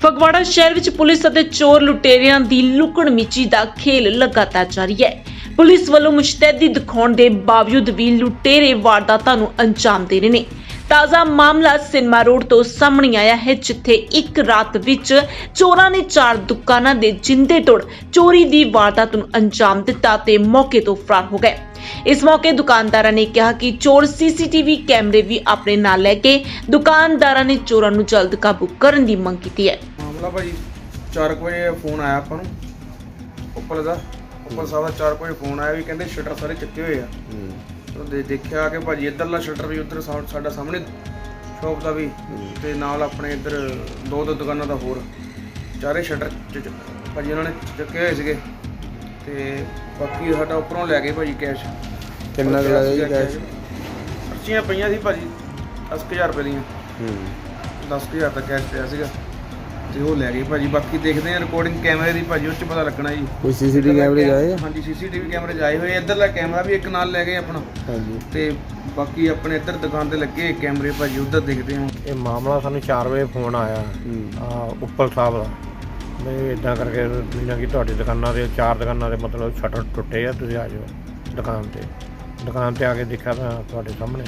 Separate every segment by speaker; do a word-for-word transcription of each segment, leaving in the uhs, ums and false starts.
Speaker 1: ਫਗਵਾੜਾ ਸ਼ਹਿਰ ਵਿੱਚ ਪੁਲਿਸ ਅਤੇ ਚੋਰ ਲੁਟੇਰਿਆਂ ਦੀ ਲੁਕਣ ਮਿਚੀ ਦਾ ਖੇਲ ਲਗਾਤਾਰ ਜਾਰੀ ਹੈ। ਪੁਲਿਸ ਵੱਲੋਂ ਮੁਸ਼ਤੈਦੀ ਦਿਖਾਉਣ ਦੇ ਬਾਵਜੂਦ ਵੀ ਲੁਟੇਰੇ ਵਾਰਦਾਤਾਂ ਨੂੰ ਅੰਜਾਮ ਦੇ ਰਹੇ ਨੇ। ਤਾਜ਼ਾ ਮਾਮਲਾ ਸਿਨੇਮਾ ਰੋਡ ਤੋਂ ਸਾਹਮਣੇ ਆਇਆ ਹੈ, ਜਿੱਥੇ ਇੱਕ ਰਾਤ ਵਿੱਚ ਚੋਰਾਂ ਨੇ ਚਾਰ ਦੁਕਾਨਾਂ ਦੇ ਜਿੰਦੇ ਤੋੜ ਚੋਰੀ ਦੀ ਵਾਰਦਾਤ ਨੂੰ ਅੰਜਾਮ ਦਿੱਤਾ ਤੇ ਮੌਕੇ ਤੋਂ ਫਰਾਰ ਹੋ ਗਏ। ਇਸ ਮੌਕੇ ਦੁਕਾਨਦਾਰਾਂ ਨੇ ਕਿਹਾ ਕਿ ਚੋਰ ਸੀਸੀਟੀਵੀ ਕੈਮਰੇ ਵੀ ਆਪਣੇ ਨਾਲ ਲੈ ਕੇ ਦੁਕਾਨਦਾਰਾਂ ਨੇ ਚੋਰਾਂ ਨੂੰ ਜਲਦ ਕਾਬੂ ਕਰਨ ਦੀ ਮੰਗ ਕੀਤੀ ਹੈ।
Speaker 2: ਮਾਮਲਾ ਭਾਜੀ ਚਾਰ ਵਜੇ ਫੋਨ ਆਇਆ ਆਪਾਂ ਨੂੰ ਉੱਪਰ ਦਾ ਉੱਪਰ ਸਾਹਿਬ ਦਾ ਚਾਰ ਵਜੇ ਫੋਨ ਆਇਆ ਵੀ ਕਹਿੰਦੇ ਸ਼ਟਰ ਸਾਰੇ ਚੱਕੇ ਹੋਏ ਆ। ਉਹ ਦੇ ਦੇਖਿਆ ਕਿ ਭਾਜੀ ਇੱਧਰਲਾ ਸ਼ਟਰ ਵੀ ਉੱਧਰ ਸਾਡਾ ਸਾਹਮਣੇ ਸ਼ੌਪ ਦਾ ਵੀ ਤੇ ਨਾਲ ਆਪਣੇ ਇੱਧਰ ਦੋ ਦੋ ਦੁਕਾਨਾਂ ਦਾ ਹੋਰ ਚਾਰੇ ਸ਼ਟਰ ਭਾਜੀ ਉਹਨਾਂ ਨੇ ਚੱਕੇ ਹੋਏ ਸੀਗੇ ਤੇ ਬਾਕੀ ਸਾਡਾ ਉੱਪਰੋਂ ਲੈ ਗਏ ਭਾਜੀ ਕੈਸ਼।
Speaker 3: ਕਿੰਨਾ ਕੁ ਲੱਗਿਆ ਜੀ ਕੈਸ਼?
Speaker 2: ਪਰਚੀਆਂ ਪਈਆਂ ਸੀ ਭਾਜੀ ਦਸ ਹਜ਼ਾਰ ਰੁਪਏ ਦੀਆਂ। ਦਸ ਹਜ਼ਾਰ ਦਾ ਕੈਸ਼ ਪਿਆ ਸੀਗਾ ਤੇ ਉਹ ਲੈ ਗਏ ਭਾਜੀ। ਬਾਕੀ ਦੇਖਦੇ ਆ ਰਿਕਾਰਡਿੰਗ ਕੈਮਰੇ ਦੀ ਭਾਜੀ, ਉਸ 'ਚ ਪਤਾ ਲੱਗਣਾ ਜੀ।
Speaker 3: ਕੋਈ ਸੀਸੀਟੀਵੀ ਕੈਮਰੇ ਆਏ?
Speaker 2: ਹਾਂਜੀ ਸੀਸੀਟੀਵੀ ਕੈਮਰੇ ਆਏ ਹੋਏ। ਇੱਧਰਲਾ ਕੈਮਰਾ ਵੀ ਇੱਕ ਨਾਲ ਲੈ ਗਏ ਆਪਣਾ।
Speaker 3: ਹਾਂਜੀ
Speaker 2: ਤੇ ਬਾਕੀ ਆਪਣੇ ਇੱਧਰ ਦੁਕਾਨ ਤੇ ਲੱਗੇ ਕੈਮਰੇ ਭਾਜੀ, ਉੱਧਰ ਦੇਖਦੇ ਹਾਂ।
Speaker 4: ਇਹ ਮਾਮਲਾ ਸਾਨੂੰ ਚਾਰ ਵਜੇ ਫੋਨ ਆਇਆ ਆ ਉੱਪਲ ਸਾਹਿਬ ਦਾ ਵੀ ਇਦਾਂ ਕਰਕੇ ਜਿੱਦਾਂ ਕਿ ਤੁਹਾਡੀ ਦੁਕਾਨਾਂ ਦੇ ਚਾਰ ਦੁਕਾਨਾਂ ਦੇ ਮਤਲਬ ਸ਼ਟਰ ਟੁੱਟੇ ਆ, ਤੁਸੀਂ ਆ ਜਾਓ ਦੁਕਾਨ ਤੇ। ਦੁਕਾਨ ਤੇ ਆ ਕੇ ਦੇਖਿਆ ਤਾਂ ਤੁਹਾਡੇ ਸਾਹਮਣੇ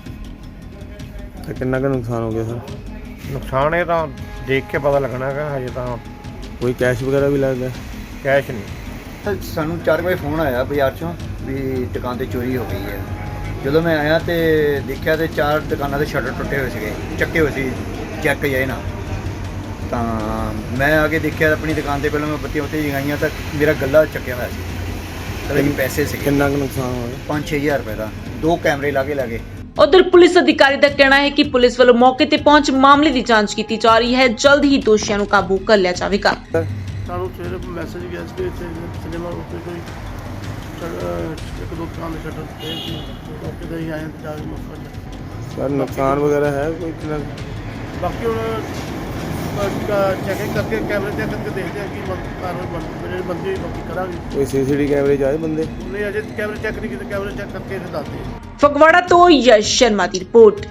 Speaker 3: ਤੇ ਕਿੰਨਾ ਕੁ ਨੁਕਸਾਨ ਹੋ ਗਿਆ ਸਰ?
Speaker 4: ਨੁਕਸਾਨ ਇਹ ਤਾਂ ਦੇਖ ਕੇ ਪਤਾ ਲੱਗਣਾ ਹੈਗਾ, ਹਜੇ ਤਾਂ
Speaker 3: ਕੋਈ ਕੈਸ਼ ਵਗੈਰਾ ਵੀ ਲੱਗਦਾ?
Speaker 4: ਕੈਸ਼ ਨਹੀਂ।
Speaker 5: ਸਾਨੂੰ ਚਾਰ ਵਜੇ ਫੋਨ ਆਇਆ ਬਾਜ਼ਾਰ 'ਚੋਂ ਵੀ ਦੁਕਾਨ ਤੇ ਚੋਰੀ ਹੋ ਗਈ ਹੈ। ਜਦੋਂ ਮੈਂ ਆਇਆ ਤੇ ਦੇਖਿਆ ਤੇ ਚਾਰ ਦੁਕਾਨਾਂ ਦੇ ਸ਼ਟਰ ਟੁੱਟੇ ਹੋਏ ਸੀਗੇ, ਚੱਕੇ ਹੋਏ ਸੀ, ਚੈੱਕ ਜਾਏ ਨਾ। ਤਾਂ ਮੈਂ ਆ ਕੇ ਦੇਖਿਆ ਆਪਣੀ ਦੁਕਾਨ ਤੇ, ਪਹਿਲਾਂ ਮੈਂ ਬੱਤੀਆਂ ਉੱਤੇ ਜਗਾਈਆਂ ਤਾਂ ਮੇਰਾ ਗੱਲਾ ਚੱਕਿਆ ਹੋਇਆ ਸੀ, ਤੇ ਪੈਸੇ ਸੀਗੇ
Speaker 3: ਕਿੰਨਾ ਕੁ ਨੁਕਸਾਨ ਹੋ ਗਿਆ?
Speaker 5: ਪੰਜ ਛੇ ਹਜ਼ਾਰ ਰੁਪਏ ਦਾ। ਦੋ ਕੈਮਰੇ ਲਾ ਕੇ ਲੈ ਗਏ।
Speaker 1: ਉਧਰ ਪੁਲਿਸ ਅਧਿਕਾਰੀ ਦਾ ਕਹਿਣਾ ਹੈ ਕਿ ਪੁਲਿਸ ਵੱਲੋਂ ਮੌਕੇ ਤੇ ਪਹੁੰਚ ਮਾਮਲੇ ਦੀ ਜਾਂਚ ਕੀਤੀ ਜਾ ਰਹੀ ਹੈ। ਜਲਦ ਹੀ ਦੋਸ਼ੀਆਂ ਨੂੰ ਕਾਬੂ ਕਰ ਲਿਆ ਜਾਵੇਗਾ।
Speaker 6: ਸਾਨੂੰ ਸਵੇਰੇ ਮੈਸੇਜ ਗਿਆ ਸੀ ਕਿ ਇੱਥੇ ਸਿਨੇਮਾ ਰੋਡ ਤੇ ਕੋਈ ਇੱਕ ਦੋ ਦੁਕਾਨ ਦੇ ਸ਼ਟਰ ਤੇ ਮੌਕੇ ਤੇ ਹੀ ਆਏ ਤੇ ਜਾ ਕੇ ਮੌਕਾ
Speaker 3: ਸਰ ਨੁਕਸਾਨ ਵਗੈਰਾ ਹੈ ਕੋਈ ਕਿੰਨਾ?
Speaker 6: ਬਾਕੀ ਹੁਣ ਚੈਕਿੰਗ ਕਰਕੇ ਕੈਮਰੇ ਚੈੱਕ ਕਰਕੇ ਦੇਖਦੇ ਆ ਕਿ ਕਾਰਵਾਈ ਬਣ ਜਿਹੜੇ ਬੰਦੇ ਬਾਕੀ ਕਰਾਂਗੇ।
Speaker 3: ਕੋਈ ਸੀਸੀਟੀਵੀ ਕੈਮਰੇ 'ਚ ਆਏ ਬੰਦੇ?
Speaker 6: ਨਹੀਂ ਅਜੇ ਕੈਮਰੇ ਚੈੱਕ ਨਹੀਂ ਕੀਤੇ, ਕੈਮਰੇ ਚੈੱਕ ਕਰਕੇ ਫਿਰ ਦੱਸਦੇ ਆ।
Speaker 1: ਫਗਵਾੜਾ ਤੋਂ ਯਸ਼ ਸ਼ਰਮਾ ਦੀ ਰਿਪੋਰਟ।